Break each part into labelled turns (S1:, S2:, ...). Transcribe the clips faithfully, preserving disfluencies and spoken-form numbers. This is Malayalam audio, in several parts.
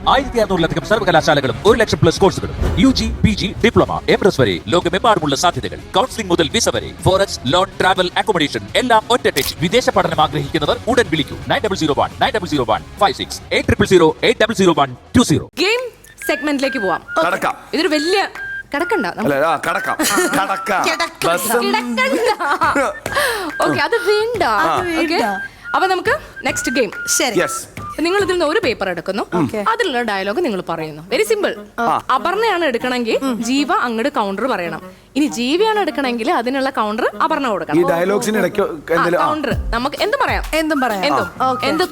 S1: ആയിരത്തി അറുന്നൂറിലധികം സർവകലാശാലകളും ഒരു ലക്ഷം പ്ലസ് കോഴ്സുകളും U G P G diploma M S വരെ ലോകമെമ്പാടുമുള്ള സാധ്യതകൾ. കൗൺസിലിംഗ് മുതൽ വിസ വരെ ഫോറക്സ് ലോൺ ട്രാവൽ അക്കോമഡേഷൻ എല്ലാം ഒറ്റ ടച്ച്. വിദേശ പഠനം ആഗ്രഹിക്കുന്നവർ ഉടൻ വിളിക്കൂ nine double zero one nine double zero one five six eight triple zero eight double zero one two zero.
S2: Game സെഗ്മെന്റിലേക്ക് പോവാം. ഇതൊരു വലിയ കടക്കണ്ട ഓക്കെ, അത് വേണ്ട. അപ്പൊ നമുക്ക് നെക്സ്റ്റ് ഗെയിം. ശരി, നിങ്ങൾ ഇതിൽ നിന്ന് ഒരു പേപ്പർ എടുക്കുന്നു, അതിലുള്ള ഡയലോഗ് നിങ്ങൾ പറയുന്നു. Very simple. അപർണയാണ് എടുക്കണമെങ്കിൽ ജീവ അങ്ങോട്ട് കൗണ്ടർ പറയണം. ഇനി ജീവിയാണ് എടുക്കണമെങ്കിൽ അതിനുള്ള കൗണ്ടർ അപർണ കൊടുക്കണം. കൗണ്ടർ നമുക്ക് എന്തും പറയാം, എന്തും പറയാം, എന്തും എന്തും.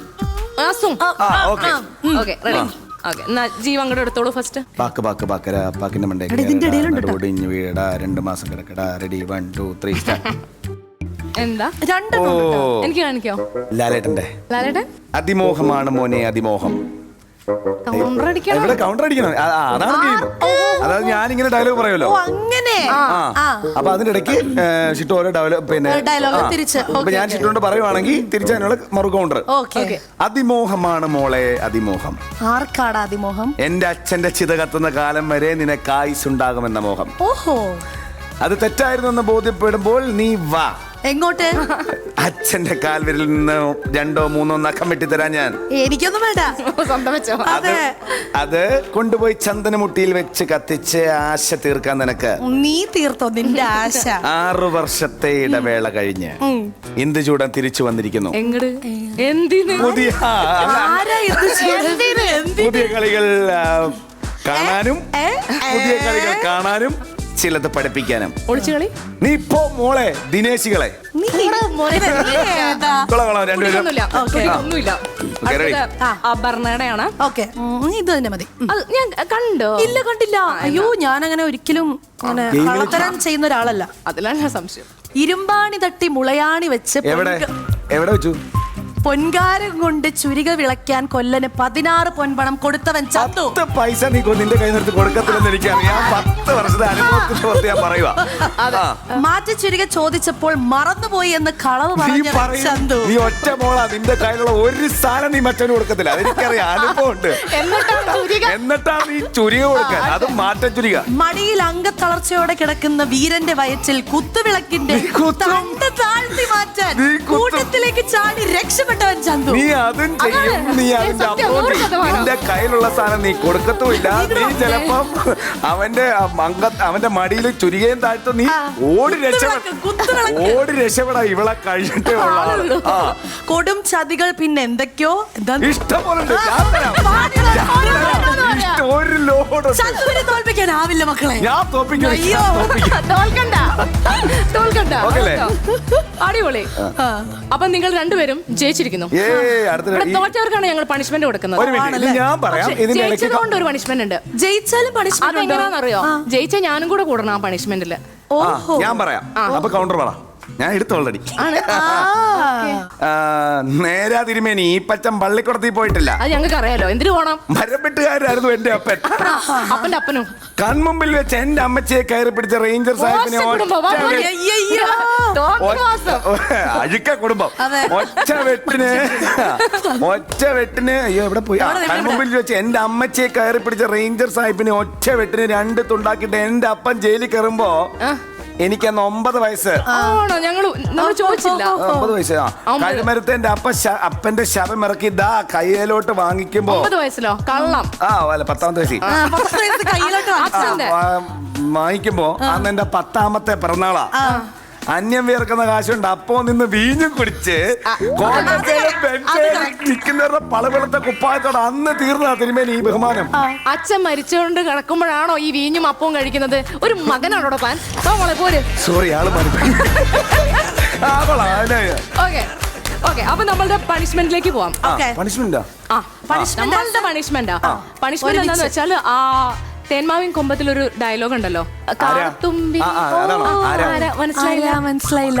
S2: Okay, ready? ജീവ അങ്ങോട്ട് എടുത്തോളൂ ഫസ്റ്റ്.
S3: പാക്ക് പാക്ക് പാക്കര പാക്കിന്റെ മണ്ടേ ഒടിഞ്ഞു വീഴടാ രണ്ട് മാസം കിടക്കടാ. Ready one two three start.
S2: എന്താ രണ്ട് എനിക്ക് കാണിക്കോ?
S3: ലാലേട്ടന്റെ
S2: ലാലേട്ടൻ
S3: അതിമോഹമാണ് മോനെ അതിമോഹം.
S2: കൗണ്ടർ അടിക്കണം.
S3: ഇവിടെ കൗണ്ടർ അടിക്കണം. അതാണ് ഗെയിം. അതായത് ഞാനിങ്ങനെ ഡയലോഗ് പറയുമല്ലോ, അപ്പൊ അതിന്റെ ഇടയ്ക്ക് ഷിട്ടു ഓരോ ഡയലോഗ് പിന്നെ ഇപ്പൊ ഞാൻ ഷിട്ടുകൊണ്ട് പറയുവാണെങ്കിൽ തിരിച്ചതിനുള്ള മറു കൗണ്ടർ. അതിമോഹമാണ് മോളെ അതിമോഹം.
S4: ആർക്കാടാ അതിമോഹം?
S3: എന്റെ അച്ഛന്റെ ചിത കത്തുന്ന കാലം വരെ നിനക്ക് ആയുസ് ഉണ്ടാകുമെന്ന മോഹം.
S4: ഓഹോ,
S3: അത് തെറ്റായിരുന്നു എന്ന് ബോധ്യപ്പെടുമ്പോൾ നീ വാ.
S4: എങ്ങോട്ട്?
S3: അച്ഛന്റെ കാൽവിരലിൽ നിന്ന് രണ്ടോ മൂന്നോ നഖം വെട്ടിത്തരാൻ ഞാൻ.
S4: എനിക്കൊന്നും വേണ്ട.
S3: അത് അത് കൊണ്ടുപോയി ചന്ദനമുട്ടിയിൽ വെച്ച് കത്തിച്ച് ആശ തീർക്കാൻ നിനക്ക്.
S4: നീ തീർത്തോ നിന്റെ ആശ?
S3: ആറു വർഷത്തെ ഇടവേള കഴിഞ്ഞ് ഇന്ദുചൂടൻ തിരിച്ചു വന്നിരിക്കുന്നു. പുതിയ പുതിയ കളികൾ കാണാനും പുതിയ കളികൾ കാണാനും ചിലത് പഠിപ്പിക്കാനും. നീ ഇപ്പോ മോളെ ദിനേശികളെ
S2: അപർണയുടെയാണ്.
S4: ഇത് തന്നെ മതി.
S2: ഞാൻ കണ്ടോ?
S4: ഇല്ല, കണ്ടില്ല. അയ്യോ, ഞാൻ അങ്ങനെ ഒരിക്കലും കള്ളത്തരം ചെയ്യുന്ന ഒരാളല്ല.
S2: അതിലാണ് ഞാൻ സംശയം.
S4: ഇരുമ്പാണി തട്ടി മുളയാണി വെച്ച്
S3: എവിടെ എവിടെ വെച്ചു?
S4: പൊൻകാരം കൊണ്ട് ചുരിക വിളക്കാൻ കൊല്ലന് പതിനാറ് പൊൻപണം കൊടുത്തവൻ ചത്തു.
S3: പത്ത് പൈസ നീ നിന്റെ കൈ നിർത്തി കൊടുക്കത്തില്ലെന്ന് എനിക്കറിയാം. പത്ത് വർഷത്തെ അനുഭവത്തിന്റെ പുറത്ത് ഞാൻ പറയുക.
S4: മാറ്റി ചുരിക ചോദിച്ചപ്പോൾ മറന്നുപോയി എന്ന് കളവ് പറഞ്ഞു ചന്തു.
S3: നീ ഒറ്റ മോളാ, നിന്റെ കയ്യിലുള്ള ഒരു സാധനം നീ മറ്റവന് കൊടുക്കത്തില്ല. അതെനിക്കറിയാം, അനുഭവമുണ്ട്. എന്നിട്ടാണ് നീ ചുരിക കൊടുക്കാൻ, അത് മാറ്റ ചുരിക.
S4: മടിയിൽ അംഗത്തളർച്ചയോടെ കിടക്കുന്ന വീരന്റെ വയറ്റിൽ കുത്തുവിളക്കിന്റെ തണ്ട് താഴ്ത്തി മാറ്റാൻ കൂട്ടത്തിലേക്ക് ചാടി രക്ഷപ്പെട്ടു.
S3: നീ അതും ചെയ്യും, നീ അതിന്റെ അപ്പുറം നിന്റെ കയ്യിലുള്ള സാധനം നീ കൊടുക്കത്തുമില്ല. നീ ചിലപ്പം അവന്റെ അവന്റെ മടിയിൽ ചുരികയും താഴ്ത്തു നീ ഓടി രക്ഷപ്പെടാ ഓടി രക്ഷപ്പെടാ ഇവളെ കഴിഞ്ഞിട്ടേ ഉള്ള
S4: കൊടും ചതികൾ. പിന്നെ എന്തൊക്കെയോ
S3: ഇഷ്ടംപോലെ ഒരു ലോഡ്
S4: തോൽപ്പിക്കാനാവില്ല മക്കളെ.
S3: ഞാൻ തോൽപ്പിക്കും.
S2: അടിപൊളി. അപ്പൊ നിങ്ങൾ രണ്ടുപേരും ജയിച്ചിരിക്കുന്നു. തോറ്റവർക്കാണ് ഞങ്ങൾ പണിഷ്മെന്റ് കൊടുക്കുന്നത്. ജയിച്ചതുകൊണ്ട് ഒരു പണിഷ്മെന്റ് ഉണ്ട്.
S4: ജയിച്ചാലും പണിഷ്മെന്റ്
S2: എങ്ങനെയാണെന്നറിയോ? ജയിച്ച ഞാനും കൂടെ കൂടണം ആ പണിഷ്മെന്റില്.
S3: ഞാൻ പറയാം. അപ്പൊ കൗണ്ടർ പറ. ഞാൻ എടുത്തു ഓൾറെഡി. നേരാ തിരുമേനി ഈ പച്ചൻ പള്ളിക്കുടത്തിൽ പോയിട്ടില്ല.
S2: അത് ഞങ്ങൾക്ക് അറിയാലോ. എന്തിനു പോണം?
S3: മരപ്പെട്ടുകാരായിരുന്നു എന്റെ അപ്പൻ.
S2: അപ്പന്റെ അപ്പനും
S3: കൺമുമ്പിൽ വെച്ച് എന്റെ അമ്മച്ചിയെ കയറി പിടിച്ച റേഞ്ചർ സാഹിബിനെ അഴുക്ക കുടുംബം ഒറ്റ വെട്ടിന് ഒറ്റ വെട്ടിന് അയ്യോ എവിടെ പോയി കൺമുമ്പിൽ വെച്ച് എന്റെ അമ്മച്ചിയെ കയറി പിടിച്ച റേഞ്ചർ സാഹിബിനെ ഒറ്റ വെട്ടിന് രണ്ട് തുണ്ടാക്കിട്ട് എന്റെ അപ്പൻ ജയിലിൽ കയറുമ്പോ എനിക്കന്ന് ഒമ്പത് വയസ്സ്. ഒമ്പത് വയസ്സ്. കഴിമരത്തെ എന്റെ അപ്പ അപ്പന്റെ ശവം ഇറക്കി ദാ കയ്യിലോട്ട് വാങ്ങിക്കുമ്പോ ആ അല്ല പത്താമത്തെ വയസ്സിൽ വാങ്ങിക്കുമ്പോ അന്ന് എന്റെ പത്താമത്തെ പിറന്നാളാ. അന്യം വിയർക്കുന്ന കാശുണ്ട്. അപ്പോ നിന്ന് വീഞ്ഞും കുടിച്ച് നിൽക്കുന്നവരുടെ പളവെളുത്ത കുപ്പായത്തോടെ അന്ന് തീർന്നാ തിരുമേനി ഈ ബഹുമാനം.
S2: അച്ഛൻ മരിച്ചുകൊണ്ട് കിടക്കുമ്പോഴാണോ ഈ വീഞ്ഞും അപ്പവും കഴിക്കുന്നത്? ഒരു മകനാണോ താൻ? പോര്.
S3: സോറി ആള്
S2: ഓക്കെ, അപ്പൊ നമ്മളുടെ പണിഷ്മെന്റിലേക്ക് പോവാം.
S3: പണിഷ്മെന്റാ?
S2: നമ്മളുടെ പണിഷ്മെന്റാ. പണിഷ്മെന്റ് എന്താന്ന് വെച്ചാൽ ആ തേന്മാവിൻ കൊമ്പത്തിലൊരു ഡയലോഗ് ഉണ്ടല്ലോ,
S4: മനസ്സിലായില്ല.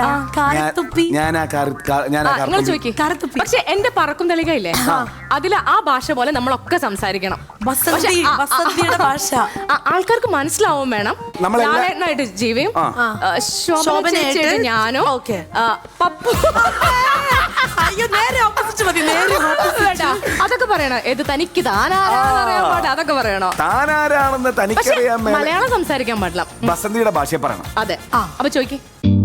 S2: പക്ഷെ എന്റെ പറക്കും തളികയില്ലേ, അതില് ആ ഭാഷ പോലെ നമ്മളൊക്കെ സംസാരിക്കണം.
S4: ഭാഷ
S2: ആൾക്കാർക്ക് മനസ്സിലാവും വേണം. ലാലേട്ടനായിട്ട് ജീവിയും, ശോഭനയായിട്ട് ഞാനോ, പപ്പു അതൊക്കെ പറയണം. ഇത് തനിക്ക് താനാരാ എന്നൊക്കെ പറയണോ?
S3: താനാരാണെന്ന്
S2: പക്ഷെ
S3: തനിക്കറിയാൻ മേലെ.
S2: മലയാളം സംസാരിക്കാൻ പാടില്ല.
S3: ബസന്തിയുടെ ഭാഷയെ പറയണം.
S2: അതെ. അപ്പൊ ചോദിക്കേ.